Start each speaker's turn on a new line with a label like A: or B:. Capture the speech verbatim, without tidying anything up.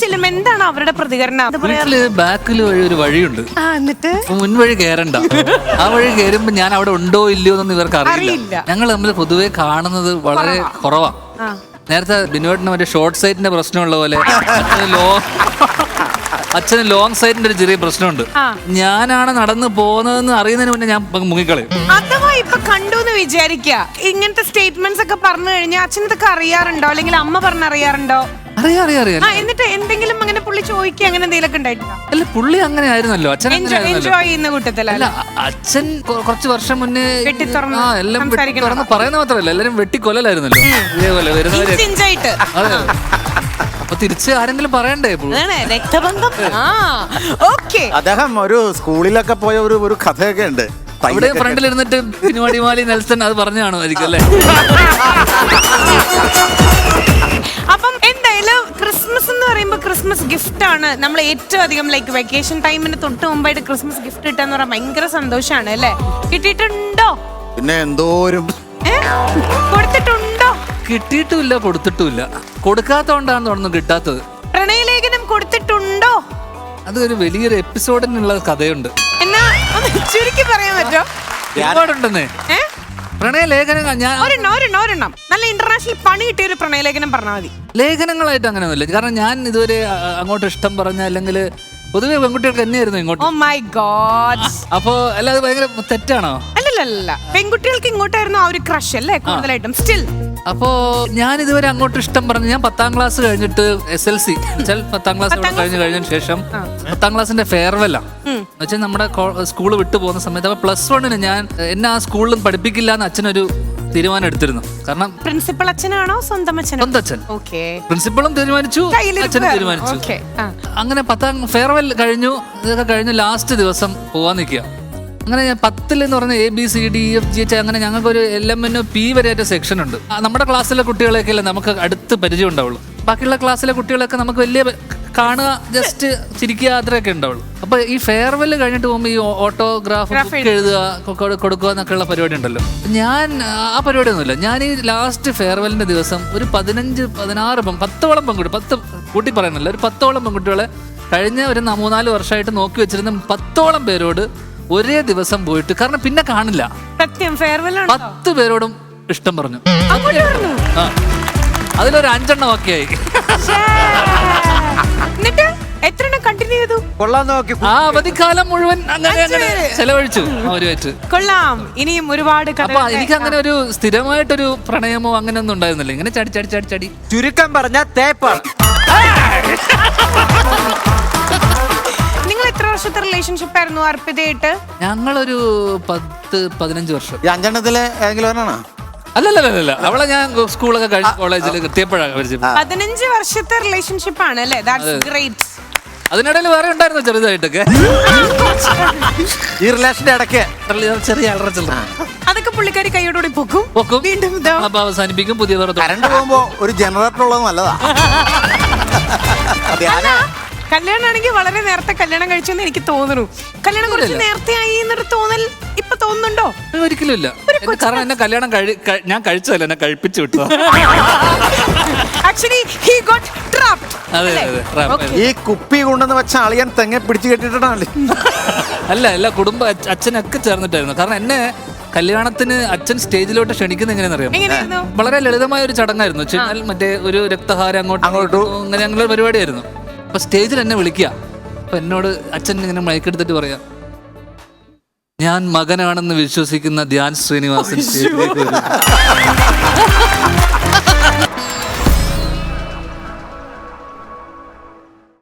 A: ചെല്ലുമ്പോ എന്താണ് അവരുടെ പ്രതികരണം?
B: വീട്ടില് ബാക്കിൽ വഴി ഒരു വഴിയുണ്ട്,
A: എന്നിട്ട്
B: മുൻവഴി കയറണ്ട. ആ വഴി കയറുമ്പോ ഞാൻ അവിടെ ഉണ്ടോ ഇല്ലയോ എന്നൊന്നും ഇവർക്ക് അറിയില്ല. ഞങ്ങൾ തമ്മിൽ പൊതുവെ കാണുന്നത് വളരെ കുറവാ. നേരത്തെ ബിനോട്ടിന് മറ്റേ ഷോർട്ട് സൈറ്റിന്റെ പ്രശ്നമുള്ള പോലെ ലോ അച്ഛന് ലോങ് സൈറ്റിന്റെ ഒരു ചെറിയ പ്രശ്നമുണ്ട്. ഞാനാണ് നടന്നു പോകുന്നതെന്ന് അറിയുന്നതിന് മുന്നേ ഞാൻ മുങ്ങിക്കളയും.
A: അഥവാ ഇപ്പൊ കണ്ടു എന്ന് വിചാരിക്ക, ഇങ്ങനത്തെ സ്റ്റേറ്റ്മെന്റ്സ് ഒക്കെ പറഞ്ഞു കഴിഞ്ഞാൽ അച്ഛൻ ഇതൊക്കെ അറിയാറുണ്ടോ, അല്ലെങ്കിൽ അമ്മ പറഞ്ഞറിയാറുണ്ടോ?
B: അറിയാം അറിയാം അറിയാം.
A: എന്നിട്ട് എന്തെങ്കിലും അങ്ങനെ പുള്ളി ചോദിക്കുക അങ്ങനെ എന്തെങ്കിലും ഉണ്ടായിട്ടുണ്ടോ?
B: അല്ല, പുള്ളി അങ്ങനെ ആയിരുന്നല്ലോ, അച്ഛൻ
A: എൻജോയ് ചെയ്യുന്ന കൂട്ടത്തിലല്ല.
B: അച്ഛൻ കുറച്ച് വർഷം മുന്നേ
A: വെട്ടി തുറന്ന്
B: എല്ലാം തുറന്ന് പറയുന്ന മാത്രമല്ല, എല്ലാരും വെട്ടിക്കൊല്ലായിരുന്നല്ലോ ഇതേപോലെ വരുന്നവരെ. അതെ, അപ്പൊ തിരിച്ച് ആരെങ്കിലും പറയണ്ടേ?
A: രക്തബന്ധം.
C: അദ്ദേഹം ഒരു സ്കൂളിലൊക്കെ പോയ ഒരു ഒരു കഥയൊക്കെ ഉണ്ട്.
B: അവിടെ ഫ്രണ്ടിൽ ഇരുന്നിട്ട് പിന്നുവാടിമാലി നെൽസൺ അത് പറഞ്ഞാണോ ആയിരിക്കും അല്ലേ?
A: അപ്പം എന്തായാലും ക്രിസ്മസ് എന്ന് പറയുമ്പോൾ ക്രിസ്മസ് ഗിഫ്റ്റ് ആണ് നമ്മൾ ഏറ്റവും അധികം ലൈക്ക് വെക്കേഷൻ ടൈമിന് തൊട്ട് മുമ്പായിട്ട് ക്രിസ്മസ് ഗിഫ്റ്റ് കിട്ടാന്ന് പറഞ്ഞാൽ ഭയങ്കര സന്തോഷമാണ് അല്ലേ? കിട്ടിയിട്ടുണ്ടോ?
C: പിന്നെ എന്തോരും
A: കൊടുത്തിട്ടുണ്ടോ?
B: കിട്ടിയിട്ടുമില്ല, കൊടുത്തിട്ടുമില്ല. കൊടുക്കാത്തോണ്ടാന്ന് തോന്നുന്നു കിട്ടാത്തത്.
A: പ്രണയലേഖനം കൊടുത്തിട്ടുണ്ടോ?
B: അത് ഒരു വലിയൊരു എപ്പിസോഡിനുള്ള കഥയുണ്ട്.
A: എന്നാ ചുരുക്കി പറയാൻ പറ്റോ?
B: ഒരുപാടുണ്ടെന്നേ പ്രണയലേഖനം. ഞാൻ
A: ഒരെണ്ണം ഒരെണ്ണം ഒരെണ്ണം നല്ല ഇന്റർനാഷണൽ പണി കിട്ടിയ ഒരു പ്രണയലേഖനം പറഞ്ഞാൽ മതി.
B: ലേഖനങ്ങളായിട്ട് അങ്ങനെയൊന്നുമില്ല, കാരണം ഞാൻ ഇതുവരെ അങ്ങോട്ട് ഇഷ്ടം പറഞ്ഞ അല്ലെങ്കിൽ പൊതുവെ പെൺകുട്ടികൾക്ക് തന്നെയായിരുന്നു ഇങ്ങോട്ട്.
A: Oh my god.
B: അപ്പൊ അല്ല, അത് ഭയങ്കര തെറ്റാണോ?
A: അല്ലല്ല, പെൺകുട്ടികൾക്ക് ഇങ്ങോട്ടായിരുന്നു ആ ഒരു ക്രഷ് അല്ലേ കൂടുതലായിട്ടും സ്റ്റിൽ.
B: അപ്പോ ഞാൻ ഇതുവരെ അങ്ങോട്ട് ഇഷ്ടം പറഞ്ഞു. ഞാൻ പത്താം ക്ലാസ് കഴിഞ്ഞിട്ട് എസ് എൽ സി പത്താം ക്ലാസ് കഴിഞ്ഞ് കഴിഞ്ഞതിന് ശേഷം പത്താം ക്ലാസ്സിന്റെ ഫെയർവെല്ല എന്നുവെച്ചാൽ നമ്മുടെ സ്കൂള് വിട്ടു പോകുന്ന സമയത്ത് അപ്പൊ പ്ലസ് വണ്ണിന് ഞാൻ എന്നെ ആ സ്കൂളിലും പഠിപ്പിക്കില്ല എന്ന് അച്ഛനൊരു തീരുമാനം എടുത്തിരുന്നു. കാരണം
A: പ്രിൻസിപ്പൽ അച്ഛനാണോ സ്വന്തം അച്ഛൻ?
B: സ്വന്തം അച്ഛൻ. പ്രിൻസിപ്പളും തീരുമാനിച്ചു, അച്ഛനും തീരുമാനിച്ചു. അങ്ങനെ പത്താം ഫെയർവെൽ കഴിഞ്ഞു. ഇതൊക്കെ കഴിഞ്ഞ് ലാസ്റ്റ് ദിവസം പോവാൻ നിൽക്കുക. അങ്ങനെ ഞാൻ പത്തിൽ എന്ന് പറഞ്ഞ A B C D E F G H അങ്ങനെ ഞങ്ങൾക്ക് ഒരു എൽ എം എൻ പി വരെയായിട്ട് സെക്ഷൻ ഉണ്ട്. നമ്മുടെ ക്ലാസ്സിലെ കുട്ടികളെയൊക്കെ അല്ലേ നമുക്ക് അടുത്ത് പരിചയം ഉണ്ടാവുള്ളൂ. ബാക്കിയുള്ള ക്ലാസ്സിലെ കുട്ടികളൊക്കെ നമുക്ക് വലിയ കാണുക, ജസ്റ്റ് ചിരിക്കുക, അത്രയൊക്കെ ഉണ്ടാവുള്ളൂ. അപ്പൊ ഈ ഫെയർവെൽ കഴിഞ്ഞിട്ട് പോകുമ്പോൾ ഈ ഓട്ടോഗ്രാഫ് എഴുതുക, കൊടുക്കുക എന്നൊക്കെയുള്ള പരിപാടി ഉണ്ടല്ലോ. ഞാൻ ആ പരിപാടി ഒന്നുമില്ല. ഞാൻ ഈ ലാസ്റ്റ് ഫെയർവെല്ലിന്റെ ദിവസം ഒരു പതിനഞ്ച് പതിനാറ് പത്തോളം പെൺകുട്ടി, പത്ത് കൂട്ടി പറയുന്നില്ല, ഒരു പത്തോളം പെൺകുട്ടികളെ കഴിഞ്ഞ ഒരു മൂന്നാല് വർഷമായിട്ട് നോക്കി വെച്ചിരുന്ന പത്തോളം പേരോട് ഒരേ ദിവസം പോയിട്ട്, കാരണം പിന്നെ കാണില്ല, പത്ത് പേരോടും ഇഷ്ടം പറഞ്ഞു. ആ, അതിലൊരു അഞ്ചെണ്ണം ഒക്കെ ആയി. ആ അവധിക്കാലം മുഴുവൻ അങ്ങനെ അങ്ങനെ ചെലവഴിച്ചു അവരുമായിട്ട്.
A: കൊള്ളാം. ഇനിയും ഒരുപാട്.
B: അപ്പൊ എനിക്ക് അങ്ങനെ ഒരു സ്ഥിരമായിട്ടൊരു പ്രണയമോ അങ്ങനെ ഒന്നും ഉണ്ടായിരുന്നില്ല. ഇങ്ങനെ ചടി ചടി ചടി ചടി
D: ചുരുക്കം പറഞ്ഞ തേപ്പാണ്.
A: നിങ്ങൾ എത്ര വർഷത്തെ റിലേഷൻഷിപ്പ് ആയിരുന്നു അർപ്പിതയായിട്ട്?
B: ഞങ്ങളൊരു പത്ത് പതിനഞ്ച് വർഷം.
C: ഈ അഞ്ചെണ്ണത്തിലെ ഏതെങ്കിലും ഒരെണ്ണാണോ?
B: അല്ലല്ല, അവളെ ഞാൻ സ്കൂളൊക്കെ കഴിഞ്ഞ കോളേജിൽ എത്തിയപ്പോഴാണ് പരിചയം.
A: പതിനഞ്ച് വർഷത്തെ റിലേഷൻഷിപ്പ് ആണ് അല്ലേ? That's great.
B: അതിനിടയിൽ വേറെ ഉണ്ടായിരുന്നു ചെറുതായിട്ടൊക്കെ
C: ഈ റിലേഷന്റെ ഇടയ്ക്ക്
B: ചെറിയ അലറച്ചില്ല.
A: അതൊക്കെ പുള്ളിക്കാരി കൈയോടുകൂടി പൊക്കും
B: പൊക്കും
A: വീണ്ടും
B: അപ്പൊ അവസാനിപ്പിക്കും. പുതിയ
C: കറണ്ട് പോകുമ്പോ ഒരു ജനറേറ്റർ ഉള്ളത് നല്ലതാ.
A: കല്യാണമാണെങ്കിൽ വളരെ നേരത്തെ കല്യാണം കഴിച്ചെന്ന് എനിക്ക് തോന്നുന്നു. കല്യാണം കുറച്ച് നേരത്തെ ആയി എന്നൊരു തോന്നൽ ഇപ്പൊ തോന്നുന്നുണ്ടോ?
B: ഒരിക്കലും ഇല്ല. കാരണം എന്നെ കല്യാണം ഞാൻ കഴിച്ചതല്ല, എന്നെ കഴിപ്പിച്ചു വിട്ടു.
C: ഈ കുപ്പി കൊണ്ടെന്ന് വെച്ച അളിയൻ തെങ്ങ പിടിച്ചു കെട്ടിട്ടാണല്ലേ?
B: അല്ല, എല്ലാ കുടുംബ അച്ഛനൊക്കെ ചേർന്നിട്ടായിരുന്നു. കാരണം എന്നെ കല്യാണത്തിന് അച്ഛൻ സ്റ്റേജിലോട്ട് ക്ഷണിക്കുന്ന എങ്ങനെയാണെന്നറിയാം? വളരെ ലളിതമായ ഒരു ചടങ്ങായിരുന്നു. വെച്ചാൽ മറ്റേ ഒരു രക്തഹാരം അങ്ങോട്ട് അങ്ങോട്ടും അങ്ങനെ ഞങ്ങളൊരു പരിപാടിയായിരുന്നു. അപ്പൊ സ്റ്റേജിൽ എന്നെ വിളിക്കുക. അപ്പൊ എന്നോട് അച്ഛൻ ഇങ്ങനെ മയക്കെടുത്തിട്ട് പറയാ, ഞാൻ മകനാണെന്ന് വിശ്വസിക്കുന്ന ധ്യാൻ ശ്രീനിവാസൻ സ്റ്റേജിലേക്ക് വരും.